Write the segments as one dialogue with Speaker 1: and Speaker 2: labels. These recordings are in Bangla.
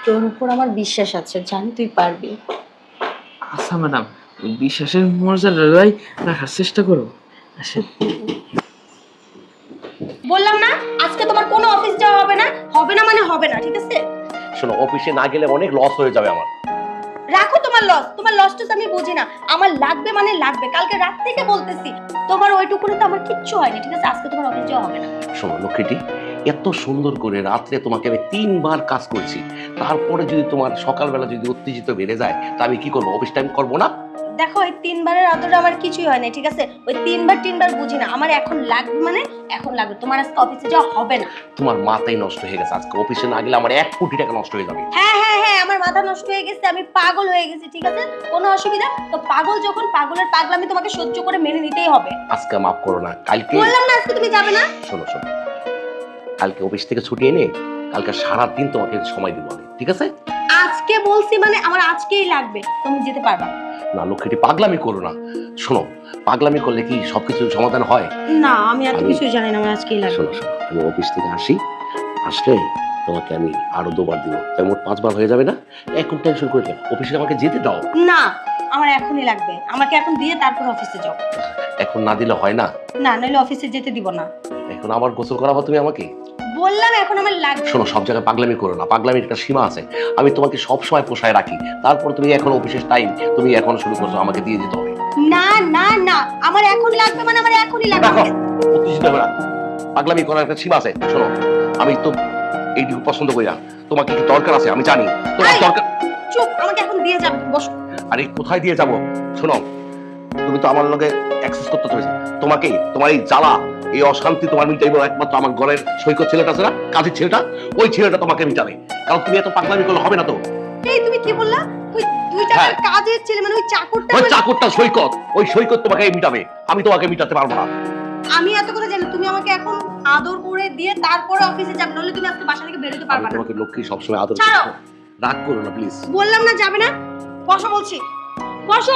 Speaker 1: তোর উপর আমার বিশ্বাস আছে, জানি তুই পারবি।
Speaker 2: আচ্ছা ম্যাডাম, বিশ্বাসের মর্যাদাটাই রাখার চেষ্টা করো। আসেন।
Speaker 1: বললাম না আজকে তোমার কোনো অফিস যাওয়া হবে না, হবে না মানে হবে না, ঠিক আছে?
Speaker 3: শোনো, অফিসে না গেলে অনেক লস হয়ে যাবে আমার।
Speaker 1: রাখো তোমার লসটা আমি বুঝি না, আমার লাগবে মানে লাগবে, কালকে রাত থেকে বলতেছি। তোমার ওইটুকুনে তো আমার কিচ্ছু হয়নি, ঠিক আছে? আজকে তোমার অফিস যাওয়া হবে না।
Speaker 3: শোনো লক্ষ্মীটি, এত সুন্দর করে রাত্রে তোমাকে আমি 3 বার কাজ করছি, তারপরে যদি তোমার সকালবেলা যদি উত্তেজিত বেড়ে যায় তা আমি কি করবো? অফিস টাইম করবো না?
Speaker 1: দেখো ওই 3 বারের আদরে আমার কিছুই হয় না, ঠিক আছে? ওই 3 বার বুঝি না, আমার এখন লাগবে মানে এখন লাগবে। তোমার আজকে অফিসে যাওয়া হবে না।
Speaker 3: তোমার মাথাই নষ্ট হয়ে গেছে, আজকে অফিসে না গেলে আমার 1 কোটি টাকা নষ্ট হয়ে যাবে।
Speaker 1: হ্যাঁ হ্যাঁ হ্যাঁ, আমার মাথা নষ্ট হয়ে গেছে, আমি পাগল হয়ে গেছি, ঠিক আছে? কোনো অসুবিধা তো, পাগল যখন, পাগলের পাগলামি তোমাকে সহ্য করে মেনে নিতেই হবে।
Speaker 3: আজকে মাফ করো না, কালকে
Speaker 1: বললাম না আজকে তুমি যাবে না।
Speaker 3: শোনো শোনো, কালকে অফিস থেকে ছুটি এনে কালকে সারাদিন তোমাকে সময় দিব আমি, ঠিক আছে?
Speaker 1: আজকে বলছি মানে আমার আজকেই লাগবে, তুমি যেতে পারবা
Speaker 3: না লক্ষ্মীটি, পাগলামি করো না। শোনো, পাগলামি করলে কি সবকিছু সমাধান হয়?
Speaker 1: না? আমি এত কিছু জানি না, আমার আজকেই লাগবে।
Speaker 3: শোনো শোনো, আমি অফিস থেকে আসলে তোমাকে আমি আরো 2 বার দিব, তাই মোট 5 বার হয়ে যাবে না? এখন টেনশন করে অফিসে আমাকে যেতে দাও।
Speaker 1: না, আমার এখনই লাগবে, আমাকে এখন দিয়ে তারপর অফিসে যাও।
Speaker 3: এখন না দিলে হয় না?
Speaker 1: না, নইলে অফিসে যেতে দিব না।
Speaker 3: এখন আবার গোসল করাবো তুমি আমাকে?
Speaker 1: বললাম এখন আমার লাগবে।
Speaker 3: শোনো, সব জায়গায় পাগলামি করো না, পাগলামির একটা সীমা আছে। আমি তোমাকে সব সময় পোষায় রাখি, তারপর তুমি এখন অফিসের টাইম, তুমি এখন শুরু করছো, আমাকে দিয়ে যেতে হবে।
Speaker 1: না না না, আমার এখন লাগবে মানে আমার এখনই
Speaker 3: দেখো,
Speaker 1: লাগবে।
Speaker 3: উত্তেজিত হবে না, পাগলামি করার একটা সীমা আছে। শোনো, আমি তো এইটুকু পছন্দ করি না, তোমাকে কি দরকার আছে আমি জানি, তোমার
Speaker 1: এই!
Speaker 3: দরকার।
Speaker 1: চুপ, আমাকে এখন দিয়ে যাবে, বসো।
Speaker 3: আরে কোথায় দিয়ে যাব? শোনো, তুমি তো আমার লগে অ্যাক্সেস করতে চলেছে, তোমাকে তোমার এই জ্বালা, এই অশান্তি তোমার মিটাইব একমাত্র আমার ঘরের সৈকত ছেলেটা আছে না, কাজের ছেলেটা, ওই ছেলেটা তোমাকে মিটাবে। কারণ তুমি এত পাগলামি করলে হবে না তো।
Speaker 1: এই তুমি কি বললা? ওই দুইটা
Speaker 3: হ্যাঁ।
Speaker 1: কাজের ছেলে মানে ওই চাকরটা?
Speaker 3: ওই চাকরটা সৈকত, ওই সৈকত তোমাকে মিটাবে, আমি তোমাকে মিটাতে পারবো না।
Speaker 1: আমি এত কথা জানি, তুমি আমাকে এখন আদর করে দিয়ে তারপরে অফিসে যাবে, নইলে তুমি আজকে বাসা থেকে বের হতে
Speaker 3: আমি
Speaker 1: পারবে না।
Speaker 3: তোমাকে লক্ষ্মী সবসময় আদর
Speaker 1: ছাড়ো।
Speaker 3: করবো। রাগ করো না প্লিজ।
Speaker 1: বললাম না যাবে না, বসো বলছি, বসো।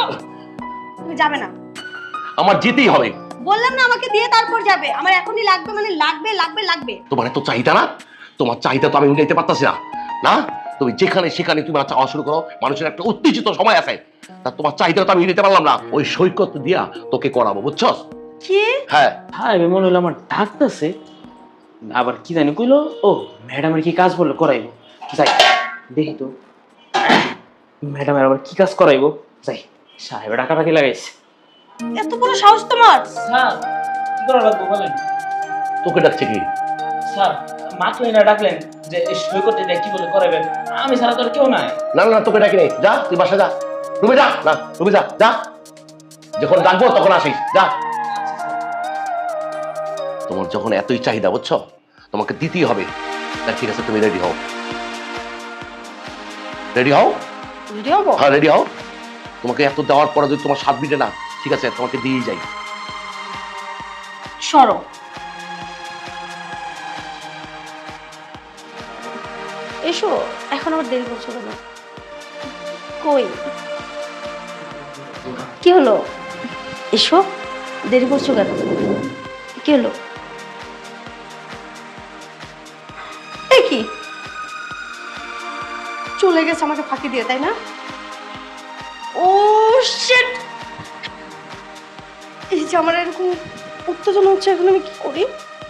Speaker 1: তুমি যাবে না।
Speaker 3: আমার যেতেই হবে।
Speaker 1: বললাম না আমাকে দিয়ে তারপর যাবে, আমার এখনই লাগবে মানে লাগবে লাগবে লাগবে।
Speaker 3: তোমার এত চাহিদা না, তোমার চাহিদা তো আমি মিটাইতে পারতাছি না। না, তুমি যেখানে সেখানে তুমি চাওয়া শুরু করো, মানুষের একটা উত্তেজিত সময় আছে, তা তোমার চাহিদা তো আমি মিটাতে পারলাম না, ওই সৈকত দিয়া তোকে করাবো, বুঝছো?
Speaker 1: কি?
Speaker 3: হ্যাঁ।
Speaker 2: হ্যাঁ, মনে হলো আমার ডাকতেছে, আবার কি জানি কইলো। ও ম্যাডামের কি কাজ বললো করাইবো, যাই দেখি তো ম্যাডামের আবার কি কাজ করাইবো। যাই, সাহেব ডাকাটাকি লাগাইছে।
Speaker 1: এত বড় সাহস তোমার?
Speaker 2: স্যার কি করা লাগবে বলেন?
Speaker 3: তোকে ডাকছে কি?
Speaker 2: স্যার মাত্র এনে ডাকলেন যে এই সৈকত এটা কি বলে করাবেন, আমি ছাড়া তো আর কেউ নাই।
Speaker 3: না না, তোকে ডাকি নেই, যা তুই বাসা যা, রুমে যা, না রুমে যা, যা, যখন ডাকবো তখন আসিস, যা। তোমার যখন এতই চাহিদা, বুঝছো, তোমাকে দিতেই হবে। তা ঠিক আছে, তুমি রেডি হও, রেডি হও।
Speaker 1: রেডি হবো?
Speaker 3: হ্যাঁ রেডি হও। তোমাকে এত দেওয়ার পরে যদি তোমার স্বাদ মিটে না, ঠিক আছে তোমাকে দিয়েই যাই।
Speaker 1: সরো। এসো, এখন আবার দেরি করছো কেন? কই কি হলো? এসো, দেরি করছো কেন? কি হলো? এ কি, চলে গেছে আমাকে ফাঁকি দিয়ে, তাই না? Oh shit! এই যে আমার এরকম উত্তেজনা হচ্ছে, এখন আমি কি করি?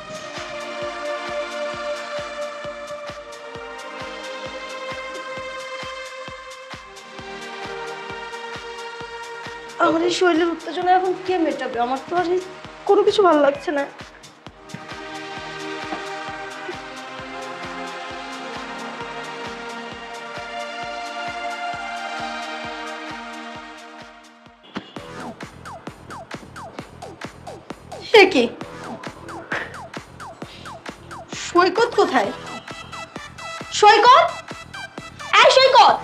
Speaker 1: আমার এই শরীরের উত্তেজনা এখন কে মেটাবে? আমার তো আর কোনো কিছু ভালো লাগছে না। সে কি, সৈকত কোথায়? সৈকত, এই সৈকত!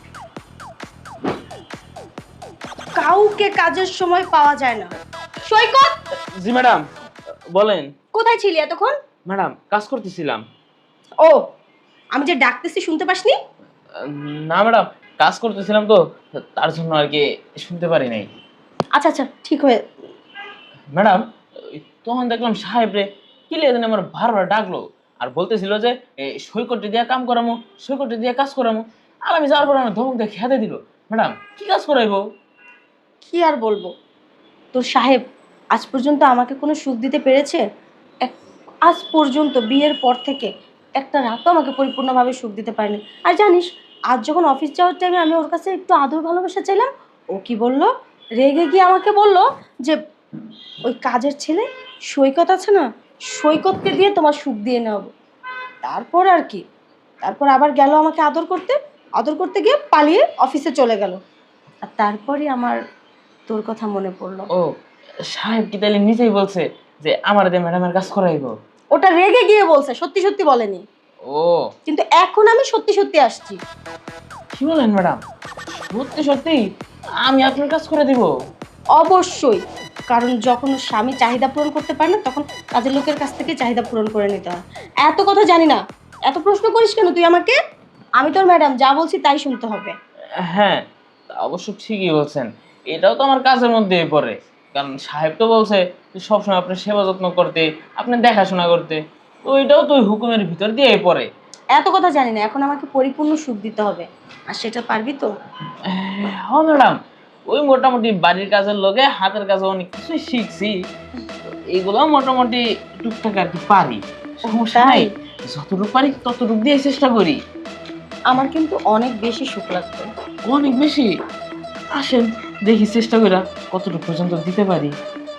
Speaker 1: কাউকে কাজের সময় পাওয়া যায় না। সৈকত,
Speaker 2: জি ম্যাডাম বলেন।
Speaker 1: কোথায় ছিলি এতক্ষণ?
Speaker 2: ম্যাডাম কাজ করতেছিলাম।
Speaker 1: ও, আমি যে ডাকতেছি শুনতে পাসনি?
Speaker 2: না ম্যাডাম, কাজ করতেছিলাম তো, তার জন্য আর কি শুনতে পারি নাই।
Speaker 1: আচ্ছা আচ্ছা, ঠিক হয়ে।
Speaker 2: ম্যাডাম তখন দেখলাম সাহেব রে কি লেগে আমার বারবার ডাকলো, আর বলতেছিল যে সৈকতে দিয়া কাম করামো, সৈকতে দিয়া কাজ করামো। আর আমি যাওয়ার পর আমার ধমক দিয়ে খেতে দিল। ম্যাডাম কি কাজ করাইবো?
Speaker 1: কি আর বলবো, তোর সাহেব আজ পর্যন্ত আমাকে কোনো সুখ দিতে পেরেছে? আজ পর্যন্ত বিয়ের পর থেকে একটা রাতও আমাকে পরিপূর্ণভাবে সুখ দিতে পারেনি। আর জানিস, আজ যখন অফিস যাওয়ার টাইমে আমি ওর কাছে একটু আদর ভালোবাসা চাইলাম, ও কি বলল, রেগে গিয়ে আমাকে বলল যে ওই কাজের ছেলে সৈকত আছে না, সৈকতকে দিয়ে তোমার সুখ দিয়ে নেব। তারপর আর কি, তারপর আবার গেল আমাকে আদর করতে গিয়ে পালিয়ে অফিসে চলে গেল। আর তারপরই আমার তোর কথা মনে পড়লো।
Speaker 2: ও সাহেব কি তাহলে নিজেই বলছে যে আমার দিয়ে ম্যাডামের কাজ করাইবো?
Speaker 1: ওটা রেগে গিয়ে বলছে, সত্যি সত্যি বলেনি।
Speaker 2: ও
Speaker 1: কিন্তু এখন আমি সত্যি সত্যি আসছি।
Speaker 2: কি বলেন ম্যাডাম? সত্যি সত্যি আমি আপনার কাজ করে দিব?
Speaker 1: অবশ্যই, কারণ যখন স্বামী চাহিদা পূরণ করতে পারে না, তখন কাজের লোকের কাছ থেকে চাহিদা পূরণ করে নিতে হয়। এত কথা জানি না, এত প্রশ্ন করিস কেন তুই আমাকে? আমি তোর ম্যাডাম, যা বলছি তাই শুনতে হবে।
Speaker 2: হ্যাঁ, তা অবশ্য ঠিকই বলছেন। এটাও তো আমার কাজের মধ্যেই পড়ে। কারণ সাহেব তো বলছে যে সবসময় আপনার সেবা যত্ন করতে, আপনার দেখাশোনা করতে। তো এটাও তো ওই হুকুমের ভিতর দিয়েই পড়ে।
Speaker 1: এত কথা জানি না, এখন আমাকে পরিপূর্ণ সুখ দিতে হবে। আর সেটা পারবি তো?
Speaker 2: হ্যাঁ ম্যাডাম, ওই মোটামুটি বাড়ির কাজের লগে হাতের কাজে অনেক কিছুই শিখছি। তো এগুলো মোটামুটি টুকটাক আর কি পারি। সমস্যা নাই, যতটুকু পারি ততটুকু দিয়ে চেষ্টা করি।
Speaker 1: আমার কিন্তু অনেক বেশি সুখ লাগবে।
Speaker 2: অনেক বেশি? আসেন দেখি চেষ্টা করি কতটুকু পর্যন্ত দিতে পারি।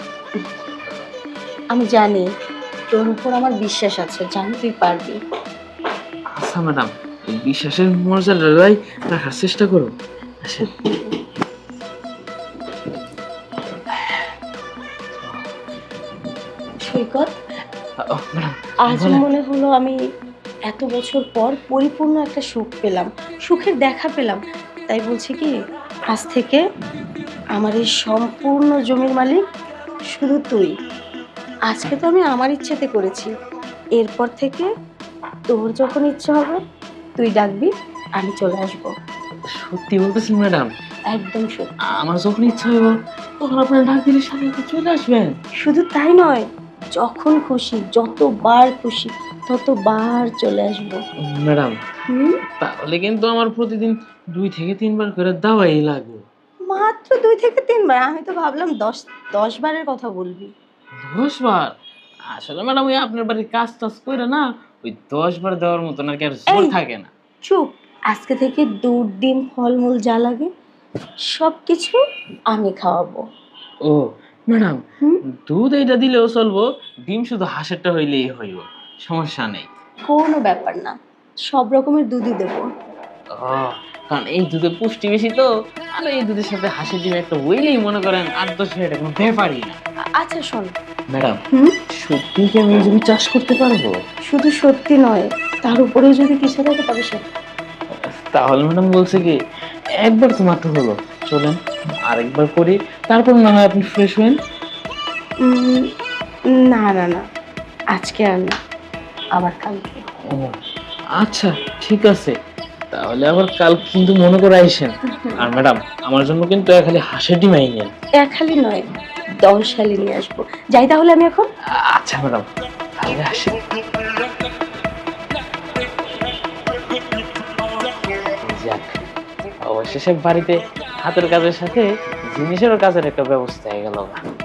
Speaker 1: আমি জানি তোর উপর আমার বিশ্বাস আছে, জানি তুই পারবি।
Speaker 2: আচ্ছা ম্যাডাম, এই বিশ্বাসের মর্যাদাটাই রাখার চেষ্টা করো। আসেন।
Speaker 1: সৈকত,
Speaker 2: ম্যাডাম
Speaker 1: আজ মনে হলো আমি এত বছর পর পরিপূর্ণ একটা সুখ পেলাম, সুখের দেখা পেলাম। তাই বলছি কি, আজ থেকে আমার এই সম্পূর্ণ জমির মালিক শুধু তুই। আজকে তো আমি আমার ইচ্ছেতে করেছি, এরপর থেকে তোর যখন ইচ্ছে হবে তুই ডাকবি, আমি চলে আসবো।
Speaker 2: সত্যি বলতেছেন ম্যাডাম?
Speaker 1: একদম সত্যি।
Speaker 2: আমার যখন ইচ্ছা হইব তখন আপনার ডাক দিলে সাথে সাথে চলে আসবেন?
Speaker 1: শুধু তাই নয়, যখন খুশি, যতবার খুশি ততবার চলে আসবো।
Speaker 2: ম্যাডাম
Speaker 1: হুম,
Speaker 2: তাহলে কিন্তু আমার প্রতিদিন 2 থেকে 3 বার করে দাওয়াই লাগবে।
Speaker 1: মাত্র 2 থেকে 3 বার? আমি তো ভাবলাম 10 বারের কথা বলবি।
Speaker 2: 10 বার? আসলে ম্যাডাম ওই আপনার বাড়ির কাজ টাজ করে না, ওই 10 বার দেওয়ার মতন আর কি আর জোর
Speaker 1: এই!
Speaker 2: থাকে না।
Speaker 1: চুপ। আজকে থেকে দুধ, ডিম, ফলমূল যা লাগে সব কিছু আমি খাওয়াবো।
Speaker 2: ও ম্যাডাম,
Speaker 1: হুম,
Speaker 2: দুধ এইটা দিলেও চলবো, ডিম শুধু হাঁসেরটা হইলেই হইব, সমস্যা নেই।
Speaker 1: কোনো ব্যাপার না, সব রকমের দুধই দেবো।
Speaker 2: ও, কারণ এই দুধে পুষ্টি বেশি তো। আর এই দুধের সাথে হাঁসের ডিম একটা হইলেই মনে করেন 8-10 এটা কোনো ব্যাপারই না।
Speaker 1: আচ্ছা শোন।
Speaker 2: ম্যাডাম
Speaker 1: হুম,
Speaker 2: সত্যি কি আমি এই জমি চাষ করতে পারবো?
Speaker 1: শুধু সত্যি নয়, তার উপরেও যদি কিছু থাকে তবে সে।
Speaker 2: তাহলে ম্যাডাম বলছে কি, একবার তো মাত্র হলো, চলেন আরেকবার করি, তারপর না হয় আপনি ফ্রেশ হবেন।
Speaker 1: উম, না না না, আজকে আর না, আবার কালকে।
Speaker 2: ও আচ্ছা ঠিক আছে, তাহলে আবার কাল কিন্তু মনে করে আইসেন। আর ম্যাডাম আমার জন্য কিন্তু খালি হাঁসের ডিম আইনেন।
Speaker 1: এক হালি নয়, 10 হালি নিয়ে আসবো। যাই তাহলে আমি এখন।
Speaker 2: আচ্ছা ম্যাডাম, তাহলে আসি। যাক, অবশেষে বাড়িতে হাতের কাজের সাথে জিনিসেরও কাজের একটা ব্যবস্থা হয়ে গেল।